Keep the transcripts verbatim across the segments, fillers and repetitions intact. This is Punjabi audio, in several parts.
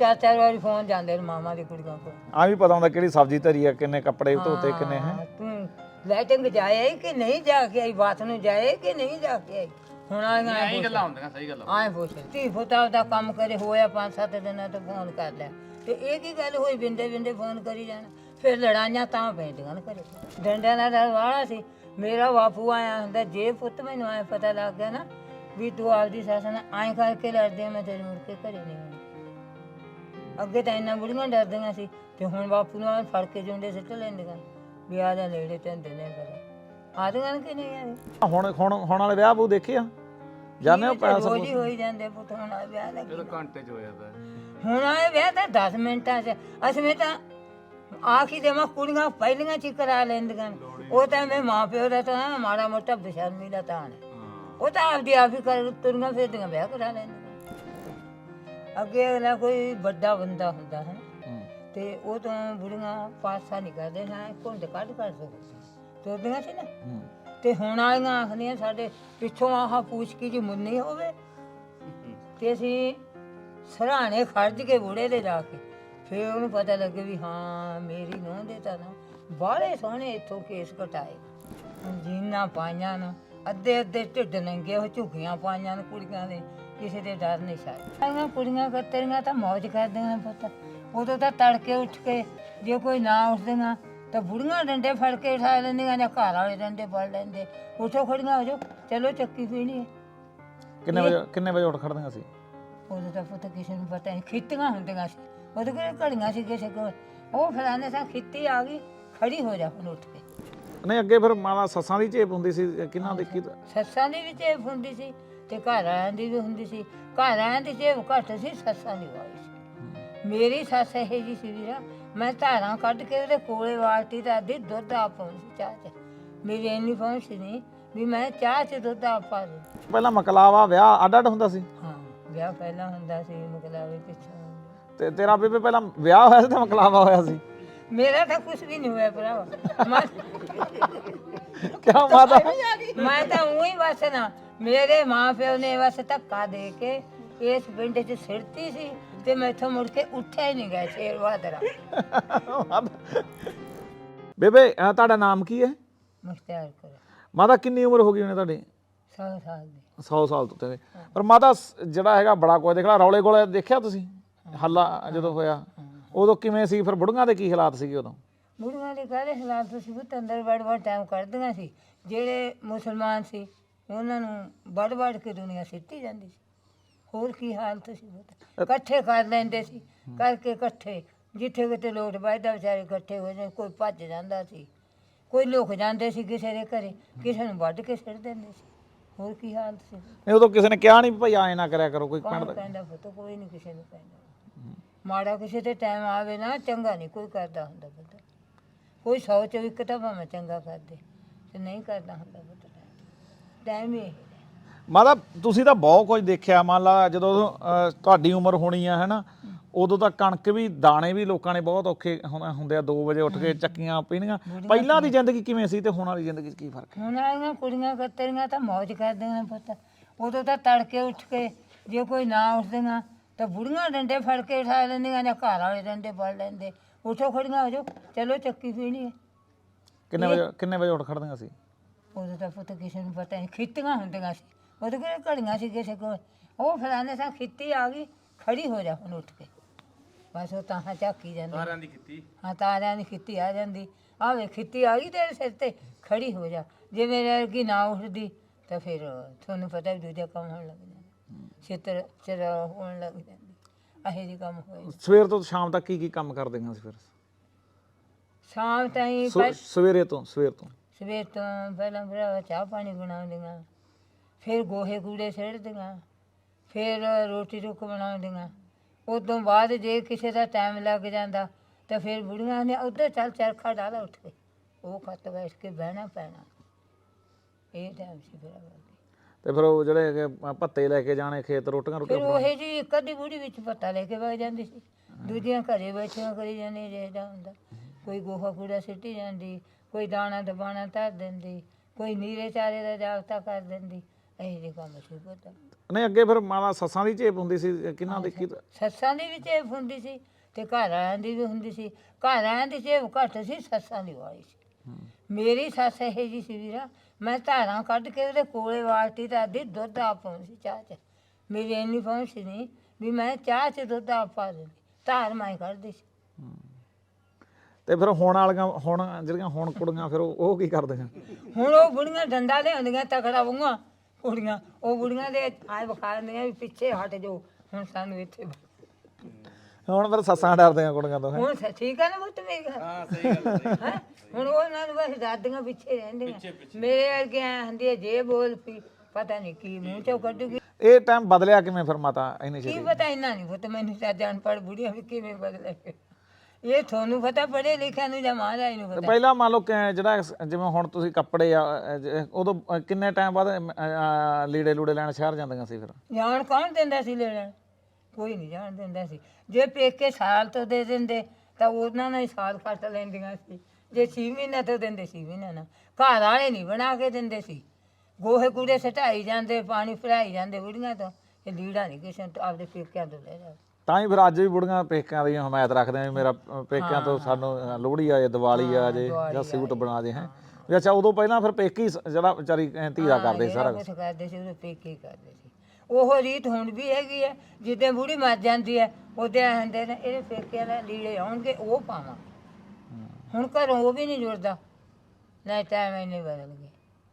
चार चार बार फोन जाते मामा की कुड़ियों को आ भी पता होंगे कि सब्जी धरी है किन्ने कपड़े धोते किन्ने हैं तू लाइटिंग जाए कि नहीं जाके आई बात ਨੂੰ ਜਾਏ ਕਿ ਨਹੀਂ ਜਾ ਕੇ ਆਈ ਹੁਣ ਆਈਆਂ ਐਂ ਗੱਲਾਂ ਹੁੰਦੀਆਂ ਸਹੀ ਗੱਲ ਆਏ ਪੁੱਛ ਧੀ ਪੁੱਤਾ ਦਾ ਕੰਮ ਕਰੇ ਹੋਇਆ ਪੰਜ ਸੱਤ ਦਿਨਾਂ ਤੋਂ ਫੋਨ ਕਰ ਲਿਆ ਤੇ ਇਹ ਕੀ ਗੱਲ ਹੋਈ ਬਿੰਦੇ ਬਿੰਦੇ ਫੋਨ ਕਰੀ ਜਾਣਾ ਫਿਰ ਲੜਾਈਆਂ ਤਾਂ ਪੈਂਦੀਆਂ ਨੇ ਘਰੇ ਡੰਡਿਆਂ ਦਾ ਡਰ ਵਾਲਾ ਸੀ ਮੇਰਾ ਬਾਪੂ ਆਇਆ ਹੁੰਦਾ ਜੇ ਪੁੱਤ ਮੈਨੂੰ ਆਏ ਪਤਾ ਲੱਗ ਗਿਆ ਨਾ ਵੀ ਤੂੰ ਆਪਦੀ ਸੱਸ ਨਾਲ ਐਂ ਕਰਕੇ ਲੜਦੇ ਮੈਂ ਤੇਰੇ ਮੁੜ ਕੇ ਘਰੇ ਨਹੀਂ ਆਉਣਾ ਅੱਗੇ ਤਾਂ ਇੰਨਾ ਬੁੜੀਆਂ ਡਰਦੀਆਂ ਸੀ ਤੇ ਹੁਣ ਬਾਪੂ ਨੂੰ ਐਂ ਫੜ ਕੇ ਜੁੰਡੇ ਸਿੱਟ ਲੈਂਦੀਆਂ ਵੀ ਆ ਜਾ ਨੇੜੇ ਧੰਦੇ ਨੇ ਕਰ ਆਦੀਆਂ ਕਿ ਨਹੀਂ ਆਏ ਹੁਣ ਹੁਣ ਹੁਣ ਵਾਲੇ ਵਿਆਹ ਬੂ ਦੇਖੇ ਆ ਜਾਣੇ ਹੋ ਪੈਸਾ ਰੋਜ਼ ਹੀ ਹੋਈ ਜਾਂਦੇ ਪੁੱਤ ਹੁਣ ਆ ਵਿਆਹ ਲੱਗੀ ਇਹ ਘੰਟੇ ਚ ਹੋ ਜਾਂਦਾ ਹੁਣ ਆਏ ਵਿਆਹ ਤਾਂ ਦਸ ਮਿੰਟਾਂ 'ਚ ਅਸੀਂ ਤਾਂ ਆਖੀ ਦੇ ਮੈਂ ਕੁੜੀਆਂ ਪਹਿਲੀਆਂ ਚ ਹੀ ਕਰਾ ਲੈਂਦੀਆਂ ਉਹ ਤਾਂ ਮੈਂ ਮਾਂ ਪਿਓ ਦਾ ਤਾਂ ਮਾੜਾ ਮੋਟਾ ਬੇਸ਼ਰਮੀ ਦਾ ਤਾਂ ਉਹ ਤਾਂ ਆਪਦੀ ਆਪ ਹੀ ਕਰ ਤੁਰੀਆਂ ਫਿਰਦੀਆਂ ਵਿਆਹ ਕਰਾ ਲੈਂਦੀਆਂ ਅੱਗੇ ਅਗਲਾ ਕੋਈ ਵੱਡਾ ਬੰਦਾ ਹੁੰਦਾ ਹੈ ਤੇ ਉਹ ਤਾਂ ਬੁੜੀਆਂ ਪਾਸਾ ਨਹੀਂ ਕਰਦੇ ਹਾਂ ਘੁੰਡ ਕੱਢ ਕਰ ਸਕਦੇ ਤੁਰਦੀਆਂ ਸੀ ਨਾ ਤੇ ਹੁਣ ਆਈਆਂ ਆਖਦੀਆਂ ਸਾਡੇ ਪਿੱਛੋਂ ਆਹ ਪੂਛ ਕੀ ਜੀ ਮੁੰਨੀ ਹੋਵੇ ਤੇ ਅਸੀਂ ਸਰਾਣੇ ਖਰਚ ਕੇ ਬੁੜੇ ਦੇ ਜਾ ਕੇ ਫਿਰ ਉਹਨੂੰ ਪਤਾ ਲੱਗੇ ਵੀ ਹਾਂ ਮੇਰੀ ਨੂੰਹ ਦੇ ਤਾਂ ਨਾ ਬਾਹਲੇ ਸੋਹਣੇ ਇੱਥੋਂ ਕੇਸ ਕਟਾਏ ਜੀਨਾਂ ਪਾਈਆਂ ਨੂੰ ਅੱਧੇ ਅੱਧੇ ਢਿੱਡ ਨੰਗੇ ਉਹ ਝੁੱਗੀਆਂ ਪਾਈਆਂ ਨੇ ਕੁੜੀਆਂ ਦੇ ਕਿਸੇ ਦੇ ਡਰ ਨਹੀਂ ਛੱਡ ਆਈਆਂ ਕੁੜੀਆਂ ਕਤਰੀਆਂ ਤਾਂ ਮੌਜ ਕਰਦੀਆਂ ਪੁੱਤ ਉਦੋਂ ਤਾਂ ਤੜਕੇ ਉੱਠ ਕੇ ਜੇ ਕੋਈ ਨਾ ਉੱਠਦੀਆਂ ਤਾਂ ਬੁੜੀਆਂ ਡੰਡੇ ਫੜ ਕੇ ਉਠਾ ਲੈਂਦੀਆਂ ਜਾਂ ਘਰ ਵਾਲੇ ਡੰਡੇ ਫੜ ਲੈਂਦੇ ਉੱਠੋ ਖੜੀਆਂ ਹੋ ਜਾਓ ਚਲੋ ਚੱਕੀ ਪੀਣੀ ਹੈ ਕਿੰਨੇ ਵਜੇ ਕਿੰਨੇ ਵਜੇ ਉੱਠ ਖੜਦੀਆਂ ਸੀ ਉਦੋਂ ਤਾਂ ਪੁੱਤ ਕਿਸੇ ਨੂੰ ਪਤਾ ਨਹੀਂ ਖਿੱਤੀਆਂ ਹੁੰਦੀਆਂ ਸੀ ਉਹਦੇ ਕੋਲ ਘੜੀਆਂ ਸੀ ਕਿਸੇ ਕੋਲ ਉਹ ਫਲਾਣੇ ਸਾਂ ਖਿੱਤੀ ਆ ਗਈ ਖੜੀ ਹੋ ਜਾ ਹੁਣ ਉੱਠ ਕੇ ਨਹੀਂ ਅੱਗੇ ਫਿਰ ਮਾਵਾ ਸੱਸਾਂ ਦੀ ਝੇਪ ਹੁੰਦੀ ਸੀ ਕਿਹਨਾਂ ਦੀ ਕੀ ਸੱਸਾਂ ਦੀ ਵੀ ਝੇਪ ਹੁੰਦੀ ਸੀ ਤੇ ਘਰ ਵਾਲਿਆਂ ਦੀ ਵੀ ਹੁੰਦੀ ਸੀ ਘਰ ਵਾਲਿਆਂ ਦੀ ਝੇਪ ਘੱਟ ਸੀ ਸੱਸਾਂ ਦੀ ਵਾਲੀ ਸੀ ਮੇਰੀ ਸੱਸ ਇਹ ਜੀ ਸੀ ਵੀਰਾ ਮੈਂ ਧਾਰਾਂ ਕੱਢ ਕੇ ਉਹਦੇ ਕੋਲੇ ਬਾਲਟੀ ਦਾ ਅੱਧੀ ਦੁੱਧ ਆ ਪਾਉਂਦੀ ਚਾਹ 'ਚ ਮੇਰੀ ਇੰਨੀ ਪਹੁੰਚ ਨਹੀਂ ਵੀ ਮੈਂ ਚਾਹ 'ਚ ਦੁੱਧ ਆ ਪਾ ਦੇ ਪਹਿਲਾਂ ਮਕਲਾਵਾ ਵਿਆਹ ਅੱਡ ਅੱਡ ਹੁੰਦਾ ਸੀ ਹਾਂ ਵਿਆਹ ਪਹਿਲਾਂ ਹੁੰਦਾ ਸੀ ਮਕਲਾਵੇ ਪਿੱਛੋਂ ਤੇ ਤੇਰਾ ਬੇਬੇ ਪਹਿਲਾਂ ਵਿਆਹ ਹੋਇਆ ਸੀ ਤੇ ਮਕਲਾਵਾ ਹੋਇਆ ਸੀ ਮੇਰਾ ਤਾਂ ਕੁਝ ਵੀ ਨਹੀਂ ਹੋਇਆ ਭਰਾਵਾ ਮੈਂ ਕਿਆ ਮਾਤਾ ਮੈਂ ਤਾਂ ਉਹੀ ਬਸ ਨਾ ਮੇਰੇ ਮਾਂ ਪਿਓ ਨੇ ਬਸ ਧੱਕਾ ਦੇ ਕੇ ਇਸ ਪਿੰਡ 'ਚ ਸਿਰਤੀ ਸੀ ਤੇ ਮੈਥੋਂ ਮੁੜ ਕੇ ਉੱਠਿਆ ਹੀ ਨਹੀਂ ਗਿਆ ਸ਼ੇਰ ਬਹਾਦਰਾ ਬੇਬੇ ਅਹ ਤੁਹਾਡਾ ਨਾਮ ਕੀ ਹੈ ਮੁਖਤਿਆਰ ਕਰ ਮਾਤਾ ਕਿੰਨੀ ਉਮਰ ਹੋ ਗਈ ਉਹਨੇ ਤੁਹਾਡੀ ਸੌ ਸਾਲ ਦੀ ਸੌ ਸਾਲ ਤੋਂ ਤੇ ਪਰ ਮਾਤਾ ਸ- ਜਿਹੜਾ ਹੈਗਾ ਬੜਾ ਕੋਈ ਦੇਖਣਾ ਰੌਲੇ ਗੋਲੇ ਦੇਖਿਆ ਤੁਸੀਂ ਹੱਲਾ ਜਦੋਂ ਹੋਇਆ ਉਦੋਂ ਕਿਵੇਂ ਸੀ ਫਿਰ ਬੁੜੀਆਂ ਦੇ ਕੀ ਹਾਲਾਤ ਸੀਗੇ ਉਦੋਂ ਬੁੜੀਆਂ ਦੇ ਕਾਹਦੇ ਹਾਲਾਤ ਤੁਸੀਂ ਪੁੱਤ ਅੰਦਰ ਵੜ ਵੜ ਟਾਈਮ ਕੱਢਦੀਆਂ ਸੀ ਜਿਹੜੇ ਮੁਸਲਮਾਨ ਸੀ ਉਹਨਾਂ ਨੂੰ ਵੜ ਵੜ ਕੇ ਦੁਨੀਆ ਸਿੱਟੀ ਜਾਂਦੀ ਸੀ ਹੋਰ ਕੀ ਹਾਲਤ ਸੀ ਪੁੱਤ ਇਕੱਠੇ ਕਰ ਲੈਂਦੇ ਸੀ ਕਰਕੇ ਇਕੱਠੇ ਜਿੱਥੇ ਕਿਤੇ ਲੋਟ ਵੱਜਦਾ ਵਿਚਾਰੇ ਇਕੱਠੇ ਹੋ ਜਾਂਦੇ ਕੋਈ ਭੱਜ ਜਾਂਦਾ ਸੀ ਕੋਈ ਲੁਕ ਜਾਂਦੇ ਸੀ ਕਿਸੇ ਦੇ ਘਰੇ ਕਿਸੇ ਨੂੰ ਵੱਢ ਕੇ ਸਿੱਟ ਦਿੰਦੇ ਸੀ ਹੋਰ ਕੀ ਹਾਲਤ ਸੀ ਨਹੀਂ ਉਦੋਂ ਕਿਸੇ ਨੇ ਕਿਹਾ ਨਹੀਂ ਭਾਈ ਐਂ ਨਾ ਕਰਿਆ ਕਰੋ ਕੋਈ ਪਿੰਡ ਕੌਣ ਦਾ ਕਹਿੰਦਾ ਪੁੱਤ ਕੋਈ ਨਹੀਂ ਕਿਸੇ ਨੂੰ ਕਹਿੰਦਾ ਮਾੜਾ ਕਿਸੇ ਤੇ ਟਾਈਮ ਆਵੇ ਨਾ ਚੰਗਾ ਨਹੀਂ ਕੋਈ ਕਰਦਾ ਹੁੰਦਾ ਪੁੱਤ ਕੋਈ ਸੌ ਚੋਂ ਇੱਕ ਤਾਂ ਭਾਵੇਂ ਚੰਗਾ ਕਰਦੇ ਤੇ ਨਹੀਂ ਕਰਦਾ ਹੁੰਦਾ ਪੁੱਤ ਟਾਈਮ ਹੀ ਇਹ ਮਾਤਾ ਤੁਸੀਂ ਤਾਂ ਬਹੁਤ ਕੁਝ ਦੇਖਿਆ ਮੰਨ ਲਾ ਜਦੋਂ ਅਹ, ਤੁਹਾਡੀ ਉਮਰ ਹੋਣੀ ਆ ਹੈਨਾ ਉਦੋਂ ਤਾਂ ਕਣਕ ਵੀ ਦਾਣੇ ਵੀ ਲੋਕਾਂ ਨੇ ਬਹੁਤ ਔਖੇ ਹੁੰ- ਹੁੰਦੇ ਆ ਦੋ ਵਜੇ ਉੱਠ ਕੇ ਚੱਕੀਆਂ ਪੀਣੀਆਂ ਪਹਿਲਾਂ ਦੀ ਜ਼ਿੰਦਗੀ ਕਿਵੇਂ ਸੀ ਤੇ ਹੁਣ ਵਾਲੀ ਜ਼ਿੰਦਗੀ 'ਚ ਕੀ ਫਰਕ ਹੈ ਹੁਣ ਆਈਆਂ ਕੁੜੀਆਂ ਕਤਰੀਆਂ ਤਾਂ ਮੌਜ ਕਰਦੀਆਂ ਨੇ ਪੁੱਤ ਉਦੋਂ ਤਾਂ ਤੜਕੇ ਉੱਠ ਕੇ ਜੇ ਕੋਈ ਨਾ ਉੱਠਦੀਆਂ ਤਾਂ ਬੁੜੀਆਂ ਡੰਡੇ ਫੜ ਕੇ ਉਠਾ ਲੈਂਦੀਆਂ ਜਾਂ ਘਰ ਵਾਲੇ ਡੰਡੇ ਫੜ ਲੈਂਦੇ ਉੱਠੋ ਖੜੀਆਂ ਹੋ ਜਾਓ ਚਲੋ ਚੱਕੀ ਪੀਣੀ ਹੈ ਕਿੰਨੇ ਵਜੇ ਕਿੰਨੇ ਵਜੇ ਉੱਠ ਖੜਦੀਆਂ ਸੀ ਉਦੋਂ ਤਾਂ ਪੁੱਤ ਕਿਸੇ ਨੂੰ ਪਤਾ ਨਹੀਂ ਖਿੱਤੀਆਂ ਹੁੰਦੀਆਂ ਸੀ ਉਹਦੇ ਕੋਲ ਘੜੀਆਂ ਸੀ ਕਿਸੇ ਕੋਲ ਉਹ ਫਲਾਣੇ ਸਾਂ ਖਿੱਤੀ ਆ ਗਈ ਖੜੀ ਹੋ ਜਾ ਹੁਣ ਉੱਠ ਕੇ ਬਸ ਉਹ ਤਾਂ ਝਾਕੀ ਜਾਂਦੀ ਸਾਰਿਆਂ ਦੀ ਕੀਤੀ ਹਾਂ ਤਾਰਿਆਂ ਦੀ ਖਿੱਤੀ ਆ ਜਾਂਦੀ ਆ ਵੇ ਖਿੱਤੀ ਆ ਗਈ ਤੇਰੇ ਸਿਰ ਤੇ ਖੜੀ ਹੋ ਜਾ ਜੇ ਮੇਰੇ ਵਰਗੀ ਨਾ ਉੱਠਦੀ ਤਾਂ ਫਿਰ ਤੁਹਾਨੂੰ ਪਤਾ ਵੀ ਦੂਜਾ ਕੰਮ ਹੋਣ ਲੱਗ ਜਾਂਦਾ ਛੇਤਰ ਚਰ ਹੋਣ ਲੱਗ ਜਾਂਦੀ ਇਹੋ ਜਿਹੇ ਕੰਮ ਹੋਏ ਸਵੇਰ ਤੋਂ ਸ਼ਾਮ ਤੱਕ ਕੀ ਕੀ ਕੰਮ ਕਰਦੀਆਂ ਸੀ ਫਿਰ ਸ਼ਾਮ ਤਾਈਂ ਸਵੇਰੇ ਤੋਂ ਸਵੇਰ ਤੋਂ ਸਵੇਰ ਤੋਂ ਪਹਿਲਾਂ ਭਰਾ ਚਾਹ ਪਾਣੀ ਬਣਾਉਂਦੀਆਂ ਫਿਰ ਗੋਹੇ ਕੂੜੇ ਸਿੱਟਦੀਆਂ ਫਿਰ ਰੋਟੀ ਰੁੱਕ ਬਣਾਉਂਦੀਆਂ ਉਦੋਂ ਬਾਅਦ ਜੇ ਕਿਸੇ ਦਾ ਟਾਈਮ ਲੱਗ ਜਾਂਦਾ ਤਾਂ ਫਿਰ ਬੁੜੀਆਂ ਨੇ ਉੱਧਰ ਚੱਲ ਚਰਖਾ ਡਾਲਾ ਉੱਠ ਕੇ ਉਹ ਖੱਤ ਬੈਠ ਕੇ ਬਹਿਣਾ ਪੈਣਾ ਇਹ ਟਾਈਮ ਸੀ ਫਿਰ ਤੇ ਫਿਰ ਉਹ ਜਿਹੜੇ ਹੈਗੇ ਭੱਤੇ ਲੈ ਕੇ ਜਾਣੇ ਖੇਤ ਰੋਟੀਆਂ ਫਿਰ ਰੋਟੀਆਂ ਉਹ ਜੀ ਇੱਕ ਅੱਧੀ ਬੁੜੀ ਵਿੱਚ ਪੱਤਾ ਲੈ ਕੇ ਵਗ ਜਾਂਦੀ ਸੀ ਦੂਜੀਆਂ ਘਰੇ ਬੈਠੀਆਂ ਕਰੀ ਜਾਂਦੀਆਂ ਜਿਹੜਾ ਹੁੰਦਾ ਕੋਈ ਗੋਹਾ ਕੂੜਾ ਸਿੱਟੀ ਜਾਂਦੀ ਕੋਈ ਦਾਣਾ ਦਬਾਣਾ ਧਰ ਦਿੰਦੀ ਕੋਈ ਨੀਰੇ ਚਾਰੇ ਦਾ ਜਾਗਤਾ ਕਰ ਦਿੰਦੀ ਇਹ ਜੇ ਕੰਮ ਸੀ ਪਤਾ ਨਹੀਂ ਅੱਗੇ ਫਿਰ ਮਾਲਾ ਸੱਸਾਂ ਦੀ ਝੇਪ ਹੁੰਦੀ ਸੀ ਕਿੰਨਾ ਦੇਖੀ ਤਾਂ ਸੱਸਾਂ ਦੀ ਵੀ ਝੇਪ ਹੁੰਦੀ ਸੀ ਤੇ ਘਰ ਆਇਆਂ ਦੀ ਵੀ ਹੁੰਦੀ ਸੀ। ਘਰ ਆਇਆਂ ਦੀ ਝੇਪ ਘੱਟ ਸੀ, ਸੱਸਾਂ ਦੀ ਵਾਲੀ ਸੀ। ਮੇਰੀ ਸੱਸ ਇਹ ਜੀ ਸੀ ਵੀਰਾ, ਮੈਂ ਧਾਰਾਂ ਕੱਢ ਕੇ ਉਹਦੇ ਕੋਲੇ ਵਾਲਟੀ ਤਾਂ ਅੱਧੀ ਦੁੱਧ ਆਪ ਪਾਉਂਦੀ ਸੀ ਚਾਹ 'ਚ। ਮੇਰੀ ਇੰਨੀ ਪਹੁੰਚ ਨਹੀਂ ਵੀ ਮੈਂ ਚਾਹ 'ਚ ਦੁੱਧ ਆਪ ਪਾ ਦਿੰਦੀ, ਧਾਰ ਮੈਂ ਕੱਢਦੀ ਸੀ। ਤੇ ਫਿਰ ਹੁਣ ਵਾਲੀਆਂ ਹੁਣ ਜਿਹੜੀਆਂ ਹੁਣ ਕੁੜੀਆਂ ਫਿਰ ਉਹ ਉਹ ਕੀ ਕਰਦੀਆਂ ਹੁਣ ਉਹ ਬੁੜੀਆਂ ਡੰਡਾ ਲਿਆਉਂਦੀਆਂ ਤਕੜਾ ਵੂਆਂ ਕੁੜੀਆਂ, ਉਹ ਬੁੜੀਆਂ ਦੇ ਆਏ ਵਿਖਾ ਦਿੰਦੀਆਂ ਵੀ ਪਿੱਛੇ ਹਟ ਜਾਓ, ਹੁਣ ਸਾਨੂੰ ਇੱਥੇ ਹੁਣ ਫਿਰ ਸੱਸਾਂ ਡਰਦੀਆਂ ਕੁੜੀਆਂ ਤੋਂ ਹੈਂ? ਹੁਣ ਸ- ਠੀਕ ਆ ਨਾ ਪੁੱਤ ਮੇਰੀ ਗੱਲ? ਹਾਂ ਸਹੀ ਗੱਲ ਹੈ ਹੈਂ? ਹੁਣ ਉਹਨਾਂ ਨੂੰ ਬਸ ਦਾਦੀਆਂ ਪਿੱਛੇ ਰਹਿੰਦੀਆਂ। ਮੇਰੇ ਵਰਗੇ ਐਂ ਹੁੰਦੀ ਹੈ ਜੇ ਬੋਲ ਪਈ ਪਤਾ ਨਹੀਂ ਕੀ ਮੂੰਹ ਚੋਂ ਕੱਢੂਗੀ। ਇਹ ਟਾਈਮ ਬਦਲਿਆ ਕਿਵੇਂ ਫਿਰ ਮਾਤਾ ਇੰਨੀ ਕੀ ਛੇਤੀ ਪਤਾ ਇੰਨਾ ਨਹੀਂ ਪੁੱਤ ਮੈਨੂੰ ਤਾਂ ਅਨਪੜ੍ਹ ਬੁੜੀਆਂ ਵੀ ਕਿਵੇਂ ਬਦਲੇ। ਇਹ ਤੁਹਾਨੂੰ ਪਤਾ ਪੜ੍ਹੇ ਲਿਖਿਆ ਨੂੰ ਜਾਂ ਮਹਾਰਾਜ ਨੂੰ ਤੇ ਪਤਾ। ਪਹਿਲਾਂ ਮੰਨ ਲਓ ਕਿ ਜਿਹੜਾ ਇਸ- ਜਿਵੇਂ ਹੁਣ ਤੁਸੀਂ ਕੱਪੜੇ ਆ ਅ, ਜ- ਉਦੋਂ ਅ, ਕਿੰਨੇ ਟਾਈਮ ਬਾਅਦ ਅ, ਅ, ਲੀੜੇ ਲੂੜੇ ਲੈਣ ਸ਼ਹਿਰ ਜਾਂਦੀਆਂ ਸੀ ਫਿਰ ਜਾਣ ਕੌਣ ਦਿੰਦਾ ਸੀ ਲੈਣ? ਕੋਈ ਨਹੀਂ ਜਾਣ ਦਿੰਦਾ ਸੀ। ਜੇ ਪੇਕੇ ਸਾਲ ਤੋਂ ਦੇ ਦਿੰਦੇ ਤਾਂ ਉਹਨਾਂ ਨਾਲ ਹੀ ਸਾਲ ਕੱਟ ਲੈਂਦੀਆਂ ਸੀ। ਜੇ ਛੇ ਮਹੀਨੇ ਤੋਂ ਦਿੰਦੇ ਛੇ ਮਹੀਨੇ ਨਾਲ। ਘਰ ਵਾਲੇ ਨਹੀਂ ਬਣਾ ਕੇ ਦਿੰਦੇ ਸੀ। ਗੋਹੇ ਕੂੜੇ ਸਟਾਈ ਜਾਂਦੇ, ਪਾਣੀ ਭਰਾਈ ਜਾਂਦੇ ਬੁੜੀਆਂ ਤੋਂ। ਇਹ ਲੀੜਾ ਨਹੀਂ ਕਿਸੇ ਨੂੰ ਆਪਦੇ ਪੇਕਿਆਂ ਤੋਂ ਲੈ ਜਾ। ਤਾਂ ਹੀ ਫਿਰ ਅੱਜ ਵੀ ਬੁੜੀਆਂ ਪੇਕਿਆਂ ਦੀ ਹਮਾਇਤ ਰੱਖਦੇ ਆ ਵੀ ਮੇਰਾ ਅ, ਪੇਕਿਆਂ ਤੋਂ ਸਾਨੂੰ ਅ, ਲੋਹੜੀ ਆ ਜੇ ਦੀਵਾਲੀ ਆ ਜੇ ਜਾਂ ਸੂਟ ਬਣਾ ਦੇ ਹੈ ਵੀ ਅੱਛਾ ਉਦੋਂ ਪਹਿਲਾਂ ਫਿਰ ਪੇਕੀ ਸ- ਜਿਹੜਾ ਵਿਚਾਰੀ ਅ, ਧੀਰਾ ਕਰਦੇ ਸੀ ਸਾਰਾ ਕੁਛ। ਕੁਝ ਕਰਦੇ ਸੀ ਉਹਦੇ ਪੇਕੇ ਕਰਦੇ ਸੀ। ਉਹ ਰੀਤ ਹੁਣ ਵੀ ਹੈਗੀ ਹੈ। ਜਿੱਦਾਂ ਬੁੜੀ ਮਰ ਜਾਂਦੀ ਹੈ ਉਹਦੇ ਹੁੰਦੇ ਨੇ ਇਹਦੇ ਪੇਕਿਆਂ ਦਾ ਲੀੜੇ ਆਉਣਗੇ ਉਹ ਪਾਵਾਂ। ਹੁਣ ਘਰੋਂ ਉਹ ਵੀ ਨਹੀਂ ਜੁੜਦਾ ਨਾ, ਟਾਈਮ ਇੰਨੇ ਬਦਲ ਗਏ।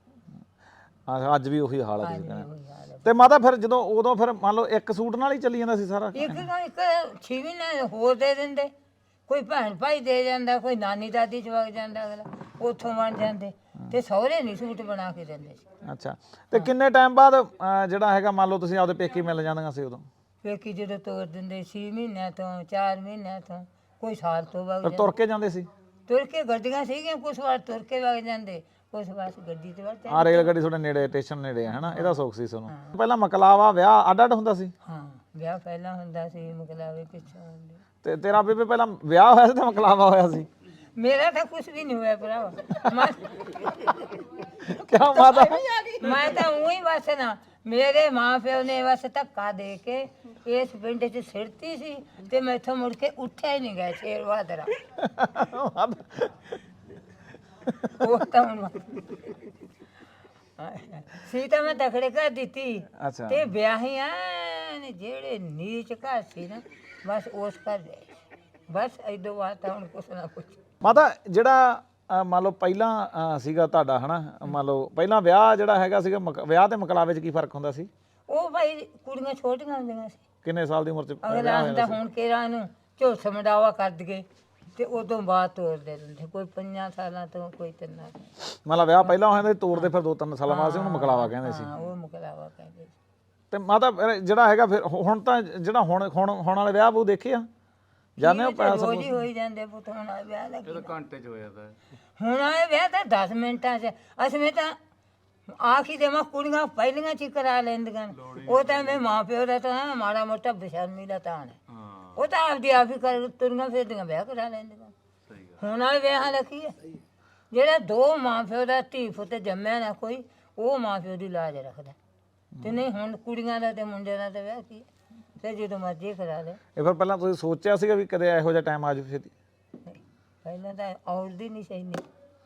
ਹਾਂ, ਅੱਜ ਵੀ ਉਹੀ ਹਾਲ ਹੈ ਤੁਸੀਂ ਹਾਂਜੀ, ਕਹਿੰਦੇ ਉਹੀ ਹਾਲ ਹੈ। ਤੇ ਮਾਤਾ ਫਿਰ ਜਦੋਂ ਉਦੋਂ ਫਿਰ ਮੰਨ ਲਓ ਇੱਕ ਸੂਟ ਨਾਲ ਹੀ ਚੱਲੀ ਜਾਂਦਾ ਸੀ ਸਾਰਾ ਇੱਕ ਨਾ ਇੱਕ ਛੇ ਮਹੀਨੇ ਹੋਰ ਦੇ ਦਿੰਦੇ। ਕੋਈ ਭੈਣ ਭਾਈ ਦੇ ਜਾਂਦਾ, ਕੋਈ ਨਾਨੀ ਦਾਦੀ ਚ ਵਗ ਜਾਂਦਾ, ਅਗਲਾ ਉੱਥੋਂ ਬਣ ਜਾਂਦੇ। ਤੇ ਸਹੁਰੇ ਨਹੀਂ ਸੂਟ ਬਣਾ ਕੇ ਦਿੰਦੇ ਸੀ। ਅੱਛਾ ਤੇ ਕਿੰਨੇ ਟਾਈਮ ਬਾਅਦ ਅ, ਜਿਹੜਾ ਹੈਗਾ ਮੰਨ ਲਓ ਤੁਸੀਂ ਆਪਦੇ ਪੇਕੀ ਮਿਲ ਜਾਂਦੀਆਂ ਸੀ ਉਦੋਂ ਪੇਕੀ ਜਦੋਂ ਤੋਰ ਦਿੰਦੇ ਛੇ ਮਹੀਨਿਆਂ ਤੋਂ, ਚਾਰ ਮਹੀਨਿਆਂ ਤੋਂ, ਕੋਈ ਸਾਲ ਤੋਂ ਵਗ ਫਿਰ ਜਾਂਦਾ। ਤੁਰ ਕੇ ਜਾਂਦੇ ਸੀ ਤੁਰ ਕੇ ਗੱਡੀਆਂ ਸੀਗੀਆਂ, ਕੁਛ ਵਾਰ ਤੁਰ ਕੇ ਵਗ ਜਾਂਦੇ, ਕੁਛ ਵਾਰ ਗੱਡੀ ਤੇ ਵਗ ਜਾਂਦੇ। ਆ ਰੇਲ ਗੱਡੀ ਤੁਹਾਡੇ ਨੇੜੇ ਸਟੇਸ਼ਨ ਨੇੜੇ ਹੈ ਹਨਾ ਇਹਦਾ ਸੁੱਖ ਸੀ ਤੁਹਾਨੂੰ ਪਹਿਲਾਂ ਮਕਲਾਵਾ ਵਿਆਹ ਅੱਡ ਅੱਡ ਹੁੰਦਾ ਸੀ ਹਾਂ ਵਿਆਹ ਪਹਿਲਾਂ ਹੁੰਦਾ ਸੀ, ਮੁਕਲਾਵੇ ਪਿੱਛੋਂ ਹੁੰਦੇ। ਤੇ ਤੇਰਾ ਬੇਬੇ ਪਹਿਲਾਂ ਵਿਆਹ ਹੋਇਆ ਸੀ ਤੇ ਮਕਲਾਵਾ ਹੋਇਆ ਸੀ ਮੇਰਾ ਤਾਂ ਕੁਛ ਵੀ ਨਹੀਂ ਹੋਇਆ ਭਰਾਵਾ। ਮੈਂ ਕਿਆ ਮਾਤਾ ਮੈਂ ਤਾਂ ਉਹੀ ਬਸ ਨਾ, ਮੇਰੇ ਮਾਂ ਪਿਓ ਨੇ ਬਸ ਧੱਕਾ ਦੇ ਕੇ ਇਸ ਪਿੰਡ 'ਚ ਸਿਰਤੀ ਸੀ ਤੇ ਮੈਥੋਂ ਮੁੜ ਕੇ ਉੱਠਿਆ ਹੀ ਨਹੀਂ ਗਿਆ ਸ਼ੇਰ ਬਹਾਦਰਾ। ਉਹ ਤਾਂ ਹੁਣ ਸੀ ਤਾਂ ਮੈਂ ਤਕੜੇ ਘਰ ਦਿੱਤੀ ਅੱਛਾ ਤੇ ਵਿਆਹੀਆਂ ਨੇ ਜਿਹੜੇ ਨੀਚ ਘਰ ਸੀ ਨਾ, ਬਸ ਉਸ ਘਰ ਦੇ ਬਸ ਇਦੋਂ ਬਾਅਦ ਤਾਂ ਹੁਣ ਕੁਛ ਨਾ ਕੁਛ। ਮਾਤਾ ਜਿਹੜਾ ਅ, ਮੰਨ ਲਓ ਪਹਿਲਾਂ ਅ, ਸੀਗਾ ਤੁਹਾਡਾ ਹਨਾ ਮੰਨ ਲਓ ਪਹਿਲਾਂ ਵਿਆਹ ਜਿਹੜਾ ਹੈਗਾ ਸੀਗਾ ਮਕ- ਵਿਆਹ ਤੇ ਮਕਲਾਵੇ 'ਚ ਕੀ ਫਰਕ ਹੁੰਦਾ ਸੀ ਉਹ ਭਾਈ ਕੁੜੀਆਂ ਛੋਟੀਆਂ ਹੁੰਦੀਆਂ ਸੀ। ਕਿੰਨੇ ਸਾਲ ਦੀ ਉਮਰ 'ਚ ਅਗਲਾ ਹੁੰਦਾ ਹੁਣ ਕਿਹੜਾ ਨੂੰ ਝੋਸ ਮਡਾਵਾ ਕਰ ਦਈਏ ਤੇ ਉਦੋਂ ਬਾਅਦ ਤੋਰ ਦੇ ਦਿੰਦੇ, ਕੋਈ ਪੰਜਾਂ ਸਾਲਾਂ ਤੋਂ, ਕੋਈ ਤਿੰਨਾਂ ਤੋਂ। ਮਤਲਬ ਵਿਆਹ ਪਹਿਲਾਂ ਹੋਇਆ ਤੇ ਤੋਰਦੇ ਫਿਰ ਦੋ ਤਿੰਨ ਸਾਲਾਂ ਬਾਅਦ ਸੀ ਉਹਨੂੰ ਮਕਲਾਵਾ ਕਹਿੰਦੇ ਸੀ ਹਾਂ ਉਹ ਮੁਕਲਾਵਾ ਕਹਿੰਦੇ ਸੀ। ਤੇ ਮਾਤਾ ਫਿਰ ਜਿਹੜਾ ਹੈਗਾ ਫਿਰ ਹੁਣ ਤਾਂ ਜਿਹੜਾ ਹੁਣ ਹੁਣ ਹੁਣ ਵਾਲੇ ਵਿਆਹ ਉਹ ਦੇਖੇ ਆ ਜਾਣੇ ਹੋ ਪੈਸਾ ਰੋਜ਼ ਹੀ ਹੋਈ ਜਾਂਦੇ ਪੁੱਤ। ਹੁਣ ਆਏ ਵਿਆਹ ਦਾ ਕੀ? ਇਹ ਤਾਂ ਘੰਟੇ ਚ ਹੋ ਜਾਂਦਾ ਹੈ ਹੁਣ ਆਏ ਵਿਆਹ ਤਾਂ ਦਸ ਮਿੰਟਾਂ 'ਚ। ਅਸੀਂ ਤਾਂ ਆਖੀ ਦੇ ਮੈਂ ਕੁੜੀਆਂ ਪਹਿਲੀਆਂ ਚ ਹੀ ਕਰਾ ਲੈਂਦੀਆਂ ਨੇ। ਉਹ ਤਾਂ ਮੈਂ ਮਾਂ ਪਿਓ ਦਾ ਤਾਂ ਮਾੜਾ ਮੋਟਾ ਬੇਸ਼ਰਮੀ ਦਾ ਤਾਂ ਹੈ। ਹਾਂ ਉਹ ਤਾਂ ਆਪਦੀ ਆਪ ਹੀ ਕਰ ਤੁਰੀਆਂ ਫਿਰਦੀਆਂ ਵਿਆਹ ਕਰਾ ਲੈਂਦੀਆਂ। ਸਹੀ ਗੱਲ ਹੁਣ ਵਾਲੇ ਵਿਆਹਾਂ ਦਾ ਕੀ ਹੈ? ਜਿਹੜਾ ਦੋ ਮਾਂ ਪਿਓ ਦਾ ਧੀ ਪੁੱਤ ਜੰਮਿਆ ਨਾ ਕੋਈ, ਉਹ ਮਾਂ ਪਿਓ ਦੀ ਲਾਜ ਰੱਖਦਾ। ਤੇ ਨਹੀਂ ਹੁਣ ਕੁੜੀਆਂ ਦਾ ਤੇ ਮੁੰਡਿਆਂ ਦਾ ਤਾਂ ਵਿਆਹ ਕੀ ਹੈ? ਤੇ ਜਦੋਂ ਮਰਜ਼ੀ ਕਰਾ ਲੈ। ਇਹ ਫਿਰ ਪਹਿਲਾਂ ਤੁਸੀਂ ਸੋਚਿਆ ਸੀਗਾ ਵੀ ਕਦੇ ਇਹੋ ਜਿਹਾ ਟਾਈਮ ਆ ਜਾਵੇ ਛੇਤੀ ਪਹਿਲਾਂ ਤਾਂ ਔਰਦੀ ਨਹੀਂ ਸੀ ਇੰਨੀ।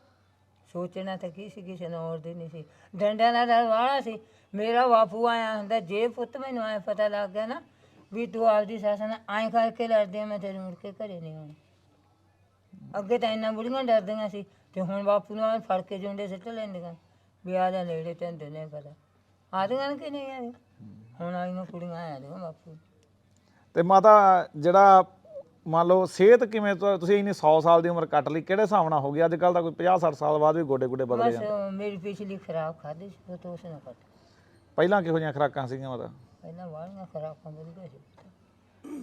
ਸੋਚਣਾ ਤਾਂ ਕੀ ਸੀ, ਕਿਸੇ ਨੂੰ ਔਰਦੀ ਨਹੀਂ ਸੀ। ਡੰਡਿਆਂ ਦਾ ਡਰ ਵਾਲਾ ਸੀ। ਮੇਰਾ ਬਾਪੂ ਆਇਆ ਹੁੰਦਾ, ਜੇ ਪੁੱਤ ਮੈਨੂੰ ਐਂ ਪਤਾ ਲੱਗ ਗਿਆ ਨਾ ਵੀ ਤੂੰ ਆਪਦੀ ਸੱਸ ਨਾਲ ਐਂ ਕਰਕੇ ਲੜਦੀ ਆ, ਮੈਂ ਤੇਰੇ ਮੁੜ ਕੇ ਘਰੇ ਨਹੀਂ ਆਉਣਾ। ਅੱਗੇ ਤਾਂ ਇੰਨਾ ਬੁੜੀਆਂ ਡਰਦੀਆਂ ਸੀ ਤੇ ਹੁਣ ਬਾਪੂ ਨੂੰ ਐਂ ਫੜ ਕੇ ਜੁੰਡੇ ਸਿੱਟ ਲੈਂਦੀਆਂ ਵੀ ਆ ਜਾ ਨੇੜੇ ਤੈਨੂੰ ਦਿੰਦੇ ਪਤਾ। ਆਦੀਆਂ ਨੇ ਕਿ ਨਹੀਂ ਆਦੀਆਂ? ਹੁਣ ਆਈਆਂ ਕੁੜੀਆਂ ਆਇਆ ਦੀਆਂ ਬਾਪੂ। ਤੇ ਮਾਤਾ ਜਿਹੜਾ ਮੰਨ ਲਓ ਸਿਹਤ ਕਿਵੇਂ ਤੁ- ਤੁਸੀਂ ਇੰਨੀ ਸੌ ਸਾਲ ਦੀ ਉਮਰ ਕੱਟ ਲਈ ਕਿਹੜੇ ਹਿਸਾਬ ਨਾਲ ਹੋ ਗਈ? ਅੱਜ ਕੱਲ ਤਾਂ ਕੋਈ ਪੰਜਾਹ ਸੱਠ ਸਾਲ ਬਾਅਦ ਵੀ ਗੋਡੇ ਗੋਡੇ ਬਦਲੇ ਬਸ ਜਾਂਦੇ। ਮੇਰੀ ਪਿਛਲੀ ਖਰਾਬ ਖਾਧੀ ਸੀ ਉਹ ਤੋਂ ਉਸ ਨੇ ਕੱਟ। ਪਹਿਲਾਂ ਕਿਹੋ ਜਿਹੀਆਂ ਖੁਰਾਕਾਂ ਸੀਗੀਆਂ ਮਾਤਾ? ਪਹਿਲਾਂ ਵਾਲੀਆਂ ਖਰਾਕਾਂ ਵਧੀਆ ਸੀ।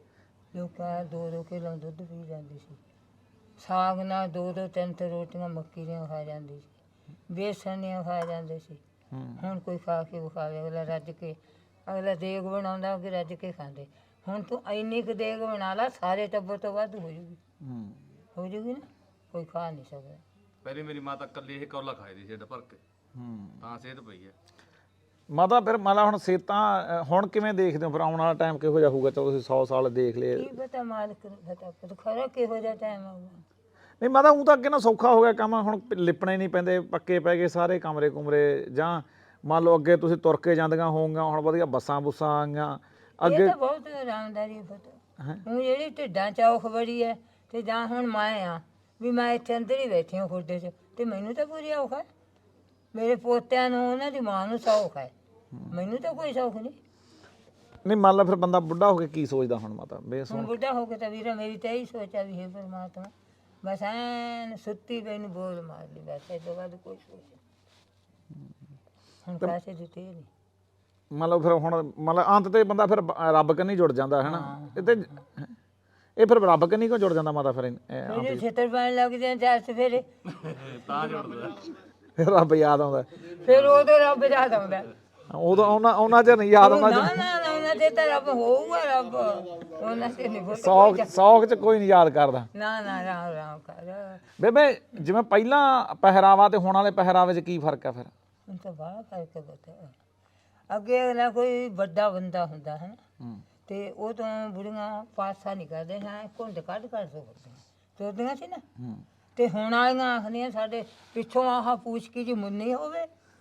ਲੋਕਾਂ ਦੋ ਦੋ ਕਿਲੋ ਦੁੱਧ ਪੀ ਜਾਂਦੀ ਸੀ। ਸਾਗ ਨਾਲ ਦੋ ਦੋ ਤਿੰਨ ਤਿੰਨ ਰੋਟੀਆਂ ਮੱਕੀ ਦੀਆਂ ਖਾ ਜਾਂਦੀ ਸੀ। ਬੇਸਣ ਦੀਆਂ ਖਾ ਜਾਂਦੇ ਸੀ। ਹੂੰ ਹੁਣ ਕੋਈ ਖਾ ਕੇ ਵਿਖਾਵੇ, ਅਗਲਾ ਰੱਜ ਕੇ, ਅਗਲਾ ਦੇਗ ਬਣਾਉਂਦਾ ਅੱਗੇ ਰੱਜ ਕੇ ਖਾਂਦੇ। ਹੁਣ ਤੂੰ ਇੰਨੀ ਕੁ ਦੇਗ ਬਣਾ ਲਾ, ਸਾਰੇ ਟੱਬਰ ਤੋਂ ਵੱਧ ਹੋ ਜੂਗੀ। ਹੂੰ ਹੋ ਜੂਗੀ ਨਾ, ਕੋਈ ਖਾ ਨਹੀਂ ਸਕਦਾ। ਪਹਿਲੇ ਮੇਰੀ ਮਾਤਾ ਕੱਲੀ ਇਹ ਕੌਲਾ ਖਾਈ ਦੀ ਸੀ ਢ ਭਰ ਕੇ ਹੂੰ ਤਾਂ ਸਿਹਤ ਪਈ ਹੈ। ਮਾਤਾ ਫਿਰ ਮਾਲਾ ਹੁਣ ਸੇਤਾਂ ਅ, ਹੁਣ ਕਿਵੇਂ ਦੇਖਦੇ ਹੋ ਫਿਰ ਆਉਣ ਵਾਲਾ ਟਾਈਮ ਕਿਹੋ ਜਿਹਾ ਹੋਊਗਾ? ਚਲੋ ਤੁਸੀਂ ਸੌ ਸਾਲ ਦੇਖ ਲਏ। ਕੀ ਪਤਾ ਮਾਲਕ ਨੂੰ ਪਤਾ ਪਰ ਖਰਾ ਕਿਹੋ ਜਿਹਾ ਟਾਈਮ ਆਊਗਾ। ਨਹੀਂ ਮਾਤਾ ਉਹ ਤਾਂ ਅੱਗੇ ਨਾ ਸੌਖਾ ਹੋ ਗਿਆ ਕੰਮ, ਹੁਣ ਪ- ਲਿਪਣੇ ਨਹੀਂ ਪੈਂਦੇ, ਪੱਕੇ ਪੈ ਗਏ ਸਾਰੇ ਕਮਰੇ ਕੁਮਰੇ। ਜਾਂ ਮੰਨ ਲਓ ਅੱਗੇ ਤੁਸੀਂ ਤੁਰ ਕੇ ਜਾਂਦੀਆਂ ਹੋਊਗੀਆਂ, ਹੁਣ ਵਧੀਆ ਬੱਸਾਂ ਬੁੱਸਾਂ ਆ ਗਈਆਂ ਇਹ ਅੱਗੇ। ਤਾਂ ਬਹੁਤ ਆਰਾਮਦਾਰੀ ਪਤਾ ਹੁਣ ਜਿਹੜੀ ਢਿੱਡਾਂ ਚੌਖ ਬੜੀ ਹੈ ਤੇ ਜਾਂ ਹੁਣ ਮੈਂ ਆ ਵੀ ਮੈਂ ਇੱਥੇ ਅੰਦਰ ਹੀ ਬੈਠੀ ਹਾਂ ਖੁੱਡੇ 'ਚ ਤੇ ਮੈਨੂੰ ਤਾਂ ਪੂਰੀ ਔਖ ਹੈ। ਮੇਰੇ ਪੋਤਿਆਂ ਨੂੰ ਉਹਨਾਂ ਦੀ ਮਾਂ ਨੂੰ ਸੌਖ ਹੈ, ਮੈਨੂੰ ਤਾਂ ਕੋਈ ਸੌਖ ਨਹੀਂ। ਨਹੀਂ ਮੰਨ ਲਾ ਫਿਰ ਬੰਦਾ ਬੁੱਢਾ ਹੋ ਕੇ ਕੀ ਸੋਚਦਾ ਹੁਣ ਮਾਤਾ ਬੇਸ ਹੁਣ ਬੁੱਢਾ ਹੋ ਕੇ ਤਾਂ ਵੀਰਾ ਮੇਰੀ ਤਾਂ ਇਹੀ ਸੋਚਾ ਵੀ ਹੈ ਪਰਮਾਤਮਾ ਬਸ ਐਨ ਸੁੱਤੀ ਪਈ ਨੂੰ ਬੋਲ ਮਾਰ ਲਈ ਬਸ ਇਹ ਤੋਂ ਬਾਅਦ ਕੋਈ ਸੋਚ ਨਹੀਂ। ਹੁਣ ਪੈਸੇ ਦਿੱਤੇ ਨਹੀਂ। ਮੰਨ ਲਓ ਫਿਰ ਹੁਣ ਮੰਨ ਲਾ ਅੰਤ ਤੇ ਬੰਦਾ ਫਿਰ ਬ- ਰੱਬ ਕੰਨੀ ਜੁੜ ਜਾਂਦਾ ਹੈ ਨਾ। ਇਹ ਤੇ ਇਹ ਫਿਰ ਰੱਬ ਕੰਨੀ ਕਿਉਂ ਜੁੜ ਜਾਂਦਾ ਮਾਤਾ ਫਿਰ ਇਹ- ਇਹ ਮੇਰੇ ਛੇਤਰ ਪੈਣ ਲੱਗ ਜਾਂ ਚਾਰ ਸਵੇਰੇ ਤਾਂ ਜੁੜਦਾ। ਫਿਰ ਰੱਬ ਯਾਦ ਆਉਂਦਾ। ਫਿਰ ਉਦੋਂ ਰੱਬ ਯਾਦ ਆਉਂਦਾ। ਉਦੋਂ ਉਹਨਾਂ ਉਹਨਾਂ ਚ ਨਹੀਂ ਯਾਦ ਆਉਂਦਾ। ਨਾ ਨਾ ਨਾ ਉਹਨਾਂ ਤੇ ਤਾਂ ਰੱਬ ਹੋਊਗਾ ਰੱਬ ਉਹਨਾਂ ਤੇ ਨਹੀਂ ਬਹੁਤ ਸੌਖ ਸੌਖ ਚ ਕੋਈ ਨਹੀਂ ਯਾਦ ਕਰਦਾ। ਨਾ ਨਾ ਰਾਮ ਰਾਮ ਕਰ ਬੇਬੇ ਜਿਵੇਂ ਪਹਿਲਾਂ ਪਹਿਰਾਵਾ ਤੇ ਹੁਣ ਵਾਲੇ ਪਹਿਰਾਵੇ ਚ ਕੀ ਫਰਕ ਆ ਫਿਰ? ਹੁਣ ਤਾਂ ਬਾਹਰ ਕਰਕੇ ਬਤਾ ਅੱਗੇ ਅਗਲਾ ਕੋਈ ਵੱਡਾ ਬੰਦਾ ਹੁੰਦਾ ਹੈ ਨਾ ਹੂੰ ਤੇ ਉਹ ਤੋਂ ਬੁੜੀਆਂ ਪਾਸਾ ਨਹੀਂ ਕਰਦੇ ਹਾਂ ਘੁੰਡ ਕੱਢ ਕੱਢ ਸਕਦੇ ਤੁਰਦੀਆਂ ਸੀ ਨਾ। ਹੂੰ ਤੇ ਹੁਣ ਵਾਲੀਆਂ ਆਖਦੀਆਂ ਸਾਡੇ ਪਿੱਛੋਂ ਆਹ ਪੂਛ ਕੀ ਜੀ ਮੁੰਨੀ ਹੋਵੇ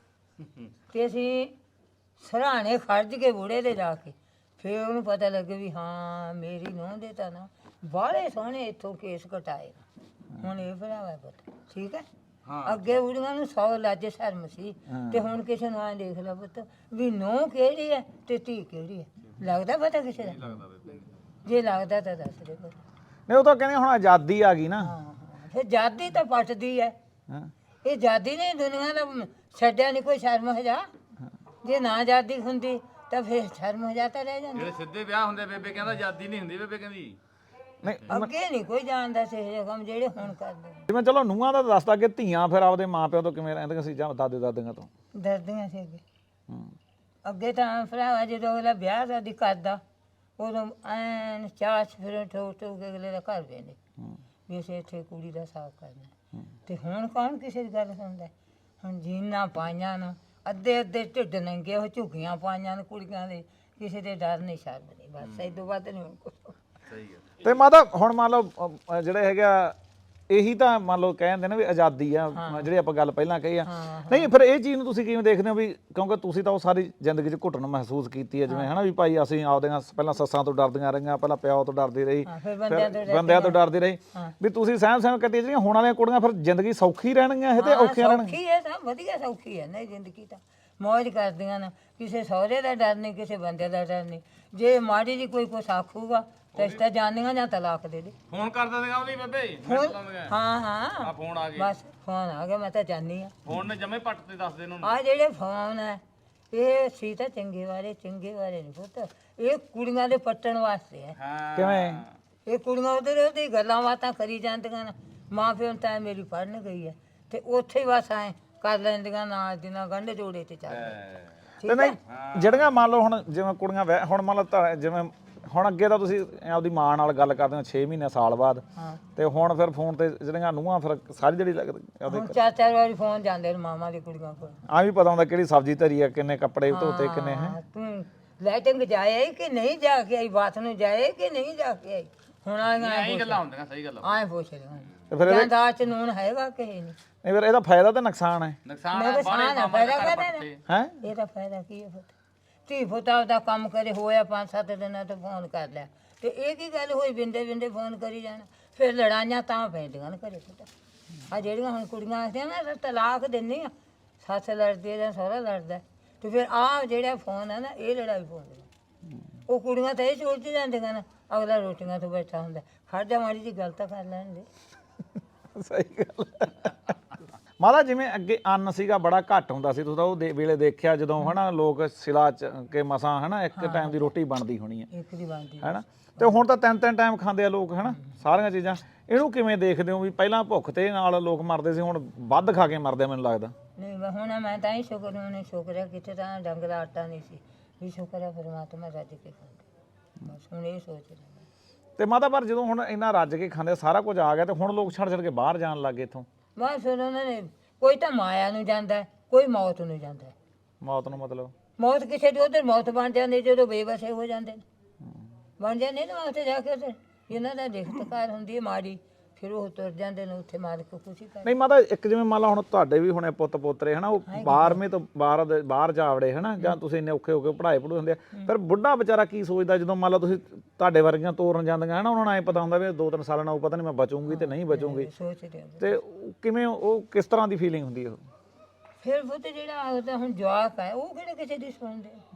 ਤੇ ਅਸੀਂ ਸਰਾਣੇ ਖਰਜ ਕੇ ਬੁੜੇ ਦੇ ਜਾ ਕੇ ਫਿਰ ਉਹਨੂੰ ਪਤਾ ਲੱਗੇ ਵੀ ਹਾਂ ਮੇਰੀ ਨੂੰਹ ਦੇ ਤਾਂ ਨਾ ਬਾਹਲੇ ਸੋਹਣੇ ਇੱਥੋਂ ਕੇਸ ਕਟਾਏ ਹੁਣ ਇਹ ਭਰਾਵਾ ਪਤਾ ਠੀਕ ਹੈ। ਅੱਗੇ ਬੁੜੀਆਂ ਨੂੰ ਸੌ ਲੱਜ ਸ਼ਰਮ ਸੀ ਤੇ ਹੁਣ ਕਿਸੇ ਨੂੰ ਆਂ ਦੇਖ ਲਾ ਪੁੱਤ ਵੀ ਨੂੰਹ ਕਿਹੜੀ ਹੈ ਤੇ ਧੀ ਕਿਹੜੀ ਹੈ ਲੱਗਦਾ ਪਤਾ ਕਿਸੇ ਦਾ? ਜੇ ਲੱਗਦਾ ਤਾਂ ਦੱਸ ਦੇ ਪੁੱਤ। ਨਹੀਂ ਉਹ ਤਾਂ ਕਹਿੰਦੇ ਹੁਣ ਆਜ਼ਾਦੀ ਆ ਗਈ ਨਾ। ਹਾਂ ਹਾਂ ਫਿਰ ਜਾਦੀ ਤਾਂ ਪੱਟਦੀ ਹੈ। ਹਾਂ ਇਹ ਜਾਦੀ ਨੇ ਦੁਨੀਆ ਦਾ ਛੱਡਿਆ ਨਹੀਂ ਕੋਈ ਸ਼ਰਮ ਹਜਾ। ਜੇ ਨਾ ਜਾਦੀ ਹੁੰਦੀ ਤਾਂ ਫਿਰ ਸ਼ਰਮ ਹਜਾ ਤਾਂ ਰਹਿ ਜਾਂਦੀ। ਜਿਹੜੇ ਸਿੱਧੇ ਵਿਆਹ ਹੁੰਦੇ ਬੇਬੇ ਕਹਿੰਦਾ ਆਜ਼ਾਦੀ ਨਹੀਂ ਹੁੰਦੀ ਬੇਬੇ ਕਹਿੰਦੀ। ਨਹੀਂ ਅੱਗੇ ਨਹੀਂ ਕੋਈ ਜਾਣਦਾ ਸੀ ਇਹ ਕੰਮ ਜਿਹੜੇ ਹੁਣ ਕਰਦੇ ਨੇ। ਜਿਵੇਂ ਚਲੋ ਨੂੰਹਾਂ ਦਾ ਦੱਸਦਾ ਕਿ ਧੀਆਂ ਫਿਰ ਆਪਦੇ ਮਾਪਿਆਂ ਤੋਂ ਕਿਵੇਂ ਰਹਿੰਦੀਆਂ ਸੀ ਜਾਂ ਦਾਦੇ ਦਾਦੀਆਂ ਤੋਂ। ਡਰਦੀਆਂ ਸੀ ਅੱਗੇ। ਹੂੰ ਅੱਗੇ ਤਾਂ ਭਰਾਵਾ ਜਦੋਂ ਅਗਲਾ ਵਿਆਹ ਸ਼ਾਦੀ ਕਰਦਾ ਉਦੋਂ ਐਨ ਚਾਚ ਫਿਰ ਠੋਕ ਠੋਕ ਕੇ ਅਗਲੇ ਦਾ ਘਰ ਵੇਂਦੇ ਹੂੰ ਵੀ ਅਸੀਂ ਇੱਥੇ ਕੁੜੀ ਦਾ ਸਾਥ ਕਰਨਾ। ਤੇ ਹੁਣ ਕੌਣ ਕਿਸੇ ਦੀ ਗੱਲ ਸੁਣਦਾ? ਹੁਣ ਜੀਨਾਂ ਪਾਈਆਂ ਨੂੰ ਅੱਧੇ ਅੱਧੇ ਢਿੱਡ ਨੰਗੇ ਉਹ ਝੁੱਗੀਆਂ ਪਾਈਆਂ ਨੇ ਕੁੜੀਆਂ ਦੇ ਕਿਸੇ ਦੇ ਡਰ ਨਹੀਂ ਸ਼ਰਮ ਨਹੀਂ ਬਸ ਇਹ ਤੋਂ ਵੱਧ ਨਹੀਂ ਹੁਣ ਕੁਛ। ਸਹੀ ਹੈ। ਤੇ ਮਾਤਾ ਹੁਣ ਮੰਨ ਲਓ ਅ, ਜਿਹੜੇ ਹੈਗਾ ਇਹੀ ਤਾਂ ਮੰਨ ਲਓ ਕਹਿੰਦੇ ਨੇ ਵੀ ਆਜ਼ਾਦੀ ਆ ਜਿਹੜੀ ਆਪਾਂ ਗੱਲ ਪਹਿਲਾਂ ਕਹੀ ਆ। ਨਹੀਂ ਫਿਰ ਇਹ ਚੀਜ਼ ਨੂੰ ਤੁਸੀਂ ਕਿਵੇਂ ਦੇਖਦੇ ਹੋ ਵੀ ਕਿਉਂਕਿ ਤੁਸੀਂ ਤਾਂ ਉਹ ਸਾਰੀ ਜ਼ਿੰਦਗੀ 'ਚ ਘੁੱਟਣ ਮਹਿਸੂਸ ਕੀਤੀ ਹੈ ਜਿਵੇਂ ਹਨਾ ਵੀ ਭਾਈ ਅਸੀਂ ਆਪਦੀਆਂ ਪਹਿਲਾਂ ਸੱਸਾਂ ਤੋਂ ਡਰਦੀਆਂ ਰਹੀਆਂ ਪਹਿਲਾਂ ਪਿਓ ਤੋਂ ਡਰਦੀ ਰਹੀ ਹਾਂ, ਫਿਰ ਬੰਦਿਆਂ ਤੋਂ ਫਿਰ ਬੰਦਿਆਂ ਤੋਂ ਡਰਦੀ ਰਹੀ ਵੀ ਤੁਸੀਂ ਸਹਿਮ ਸਹਿਮ ਕੱਟੀ ਜਿਹੜੀਆਂ ਹੁਣ ਵਾਲੀਆਂ ਕੁੜੀਆਂ ਫਿਰ ਜ਼ਿੰਦਗੀ ਸੌਖੀ ਰਹਿਣਗੀਆਂ ਇਹ ਤੇ ਹਾਂ, ਔਖੀਆਂ ਰਹਿਣਗੀਆਂ? ਸੌਖੀ ਹੈ ਸਭ ਵਧੀਆ ਸੌਖੀ ਹੈ ਨਹੀਂ ਜ਼ਿੰਦਗੀ ਤਾਂ ਮੌਜ ਕਰਦੀਆਂ ਨੇ ਕਿਸੇ ਸਹੁਰੇ ਦਾ ਡਰ ਨਹੀਂ ਕਿਸੇ ਬੰਦੇ ਦਾ ਡਰ ਨਹੀਂ। ਜੇ ਮਾੜੀ ਜੀ ਕੋਈ ਕੁਛ ਆਖੂਗਾ ਤਾਂ ਇਸ ਤਾਂ ਜਾਣੀਆਂ ਜਾਂ ਤਲਾਕ ਦੇ ਦੇ। ਫੋਨ ਕਰ ਦਿੰਦੇ ਗਾ ਉਹਦੀ ਬੇਬੇ ਫੋਨ ਫੋਨ ਹਾਂ ਹਾਂ ਆ ਫੋਨ ਆ ਗਏ ਬਸ ਫੋਨ ਆ ਗਿਆ ਮੈਂ ਤਾਂ ਜਾਣੀ ਆ। ਫੋਨ ਨੇ ਜਮੇ ਪੱਟ ਤੇ ਦੱਸ ਦੇ ਉਹਨੂੰ। ਆ ਜਿਹੜੇ ਫੋਨ ਹੈ ਇਹ ਸੀ ਤਾਂ ਚੰਗੇ ਵਾਲੇ ਚੰਗੇ ਵਾਲੇ ਨਹੀਂ ਪੁੱਤ ਇਹ ਕੁੜੀਆਂ ਦੇ ਪੱਟਣ ਵਾਸਤੇ ਹੈ। ਹਾਂ ਕਿਵੇਂ? ਇਹ ਕੁੜੀਆਂ ਉਹਦੇ ਉਹਦੀ ਗੱਲਾਂ ਬਾਤਾਂ ਕਰੀ ਜਾਂਦੀਆਂ ਨੇ ਮਾਂ ਪਿਓ ਨੂੰ ਤਾਂ ਮੇਰੀ ਪੜ੍ਹਨ ਗਈ ਹੈ ਤੇ ਉੱਥੇ ਹੀ ਬਸ ਐ ਕਰ ਲੈਂਦੀਆਂ ਨਾਲ ਦੀ ਨਾਲ ਗੰਢ ਜੋੜੇ ਤੇ ਚੱਲ ਤੇ ਨਹੀਂ ਜਿਹੜੀਆਂ ਮੰਨ ਲਓ ਹੁਣ ਜਿਵੇਂ ਕੁੜੀਆਂ ਵਿਆਹ- ਹੁਣ ਮੰਨ ਲਓ ਤਾਂ ਜਿਵੇਂ ਹੁਣ ਅੱਗੇ ਤਾਂ ਤੁਸੀਂ ਆਪਦੀ ਮਾਂ ਨਾਲ ਗੱਲ ਕਰਦੇ ਹੋ ਛੇ ਮਹੀਨੇ ਸਾਲ ਬਾਅਦ ਹਾਂ ਤੇ ਹੁਣ ਫਿਰ ਫੋਨ ਤੇ ਜਿਹੜੀਆਂ ਨੂੰਹਾਂ ਫਿਰ ਸਾਰੀ ਜਿਹੜੀ ਲੱਗਦੀ ਉਹਦੇ ਹੁਣ ਚਾਰ ਚਾਰ ਵਾਰੀ ਫੋਨ ਜਾਂਦੇ ਨੇ ਮਾਮਾ ਦੀ ਕੁੜੀਆਂ ਕੋਲ। ਆ ਵੀ ਪਤਾ ਹੁੰਦਾ ਕਿਹੜੀ ਸਬਜ਼ੀ ਧਰੀ ਆ ਕਿੰਨੇ ਕੱਪੜੇ ਧੋਤੇ ਕਿੰਨੇ ਹੈ। ਹਾਂ, ਤੂੰ ਲਾਈਟਿੰਗ ਜਾਏ ਕਿ ਨਹੀਂ ਜਾ ਕੇ ਆਈ ਬਾਤ ਨੂੰ ਜਾਏ ਕਿ ਨਹੀਂ ਜਾ ਕੇ ਆਈ ਹੁਣ ਆਈਆਂ ਐਂ ਗੱਲਾਂ ਹੁੰਦੀਆਂ ਸਹੀ ਗੱਲ ਆ। ਆਏ ਪੁੱਛ ਰਹੀਆਂ ਤੇ ਫਿਰ ਇਹਦੇ ਜਾਂਦਾਰ ਚ ਨੂਨ ਹੈਗਾ ਕਿ ਨਹੀਂ? ਨਹੀਂ ਫਿਰ ਇਹਦਾ ਫਾਇਦਾ ਤੇ ਨੁਕਸਾਨ ਹੈ ਨੁਕਸਾਨ ਮੈਂ ਆ ਤਾਂ ਬਾਹਲੇ ਸਾਨ ਆ ਮਾਮਾ ਦੇ ਫਾਇਦਾ ਘਰ ਕਰਨਾ ਪੱਟੇ। ਹੈ ਇਹਦਾ ਫਾਇਦਾ ਕੀ ਹੈ ਪੁੱਤ? ਧੀ ਪੁੱਤਾ ਦਾ ਕੰਮ ਕਰੇ ਹੋਇਆ ਪੰਜ ਸੱਤ ਦਿਨਾਂ ਤੋਂ ਫੋਨ ਕਰ ਲਿਆ ਤੇ ਇਹ ਕੀ ਗੱਲ ਹੋਈ ਬਿੰਦੇ ਬਿੰਦੇ ਫੋਨ ਕਰੀ ਜਾਣਾ ਫਿਰ ਲੜਾਈਆਂ ਤਾਂ ਪੈਂਦੀਆਂ ਨੇ ਘਰੇ ਪੁੱਤ। ਆ ਜਿਹੜੀਆਂ ਹੁਣ ਕੁੜੀਆਂ ਆਖਦੀਆਂ ਨਾ ਅਸੀਂ ਤਲਾਕ ਦਿੰਨੀ ਆ ਸੱਸ ਲੜਦੀ ਹੈ ਜਾਂ ਸਹੁਰਾ ਲੜਦਾ ਤੇ ਫਿਰ ਆਹ ਜਿਹੜਾ ਫੋਨ ਹੈ ਨਾ ਇਹ ਲੜਾਈ ਪਾਉਂਦੀਆਂ ਉਹ ਕੁੜੀਆਂ ਤਾਂ ਇਹ ਸੋਚਦੀ ਜਾਂਦੀਆਂ ਨੇ ਅਗਲਾ ਰੋਟੀਆਂ ਤੋਂ ਬੈਠਾ ਹੁੰਦਾ ਖੜ ਜਾ ਮਾੜੀ ਜੀ ਗੱਲ ਤਾਂ ਕਰ ਲੈਣ ਦੇ। ਸਹੀ ਗੱਲ ਮਾਤਾ ਜਿਵੇਂ ਅੱਗੇ ਅੰਨ ਸੀਗਾ ਬੜਾ ਘੱਟ ਹੁੰਦਾ ਸੀ ਤੁਸੀਂ ਤਾਂ ਉਹ ਦੇ- ਵੇਲੇ ਦੇਖਿਆ ਜਦੋਂ ਹਨਾ ਲੋਕ ਸਿਲਾ ਚ ਕੇ ਮਸਾਂ ਹਨਾ ਇੱਕ ਟਾਈਮ ਦੀ ਰੋਟੀ ਬਣਦੀ ਹੋਣੀ ਹੈ ਇੱਕ ਦੀ ਬਣਦੀ ਹੈਨਾ ਤੇ ਹੁਣ ਤਾਂ ਤਿੰਨ ਤਿੰਨ ਟਾਈਮ ਖਾਂਦੇ ਆ ਲੋਕ ਹਨਾ ਸਾਰੀਆਂ ਚੀਜ਼ਾਂ। ਇਹਨੂੰ ਕਿਵੇਂ ਦੇਖਦੇ ਹੋ ਵੀ ਪਹਿਲਾਂ ਭੁੱਖ ਤੇ ਨਾਲ ਲੋਕ ਮਰਦੇ ਸੀ ਹੁਣ ਵੱਧ ਖਾ ਕੇ ਮਰਦੇ ਆ ਮੈਨੂੰ ਲੱਗਦਾ। ਨਹੀਂ ਵਾ ਹੁਣ ਮੈਂ ਤਾਂ ਹੀ ਸ਼ੁਕਰ ਉਹਨੇ ਸ਼ੁਕਰ ਹੈ ਕਿਤੇ ਤਾਂ ਡੰਗ ਦਾ ਆਟਾ ਨਹੀਂ ਸੀ ਵੀ ਸ਼ੁਕਰ ਹੈ ਪਰਮਾਤਮਾ ਰੱਜ ਕੇ ਖਾਂਦੇ ਬਸ ਹੁਣ ਇਹ ਸੋਚ ਰਿਹਾ ਤੇ ਮਾਤਾ ਪਰ ਜਦੋਂ ਹੁਣ ਇੰਨਾ ਰੱਜ ਕੇ ਖਾਂਦੇ ਸਾਰਾ ਕੁਝ ਆ ਗਿਆ ਤੇ ਹੁਣ ਲੋਕ ਛੱਡ ਛੱਡ ਕੇ ਬਾਹਰ ਜਾਣ ਲੱਗੇ ਇੱਥੋਂ। ਬਸ ਫਿਰ ਉਹਨਾਂ ਨੇ ਕੋਈ ਤਾਂ ਮਾਇਆ ਨੂੰ ਜਾਂਦਾ ਹੈ, ਕੋਈ ਮੌਤ ਨੂੰ ਜਾਂਦਾ ਹੈ। ਮੌਤ ਨੂੰ ਮਤਲਬ ਮੌਤ ਕਿਸੇ ਦੀ ਉਧਰ ਮੌਤ ਬਣ ਜਾਂਦੀ ਜਦੋਂ ਬੇਵਸੇ ਹੋ ਜਾਂਦੇ ਨੇ ਬਣ ਜਾਂਦੇ ਨੇ ਉੱਥੇ ਜਾ ਕੇ ਤੇ ਇਹਨਾਂ ਦਾ ਰਿਖਤਕਾਰ ਹੁੰਦੀ ਹੈ ਮਾੜੀ ਫਿਰ ਉਹ ਤੁਰ ਜਾਂਦੇ ਨੇ ਉੱਥੇ ਮਾਲਕ ਖੁਸ਼ੀ ਕਰ ਨਹੀਂ ਮਾਤਾ ਇੱਕ ਜਿਵੇਂ ਮੰਨ ਲਾ ਹੁਣ ਤੁਹਾਡੇ ਵੀ ਹੁਣੇ ਪੁੱਤ ਪੋਤਰੇ ਹਨਾ ਉਹ ਬਾਰਵੇਂ ਤੋਂ ਬਾਹਰ ਦੇ- ਬਾਹਰ ਜਾ ਵੜੇ ਹਨਾ ਜਾਂ ਤੁਸੀਂ ਇੰਨੇ ਔਖੇ ਹੋ ਕੇ ਪੜ੍ਹਾਈ ਪੜ੍ਹੂ ਹੁੰਦੇ ਆ ਫਿਰ ਬੁੱਢਾ ਵਿਚਾਰਾ ਕੀ ਸੋਚਦਾ ਜਦੋਂ ਮੰਨ ਲਾ ਤੁਸੀਂ ਤੁਹਾਡੇ ਵਰਗੀਆਂ ਤੋਰਨ ਜਾਂਦੀਆਂ ਹਨਾ ਉਹਨਾਂ ਨੂੰ ਐਂ ਪਤਾ ਹੁੰਦਾ ਵੀ ਦੋ ਤਿੰਨ ਸਾਲਾਂ ਨਾਲ ਉਹ ਪਤਾ ਨਹੀਂ ਮੈਂ ਬਚੂੰਗੀ ਤੇ ਨਹੀਂ ਬਚੂੰਗੀ ਸੋਚਦੇ ਆ ਤੇ ਉਹ ਕਿਵੇਂ ਉਹ ਕਿਸ ਤਰ੍ਹਾਂ ਦੀ ਫੀਲਿੰਗ ਹੁੰਦੀ ਹੈ ਉਹ ਫਿਰ ਉਹ ਤੇ ਜਿਹੜਾ ਉਹਦਾ ਹੁਣ ਜਵਾਕ ਹੈ ਉਹ ਕਿਹੜੇ ਕਿਸੇ ਦੀ ਸੁਣਦੇ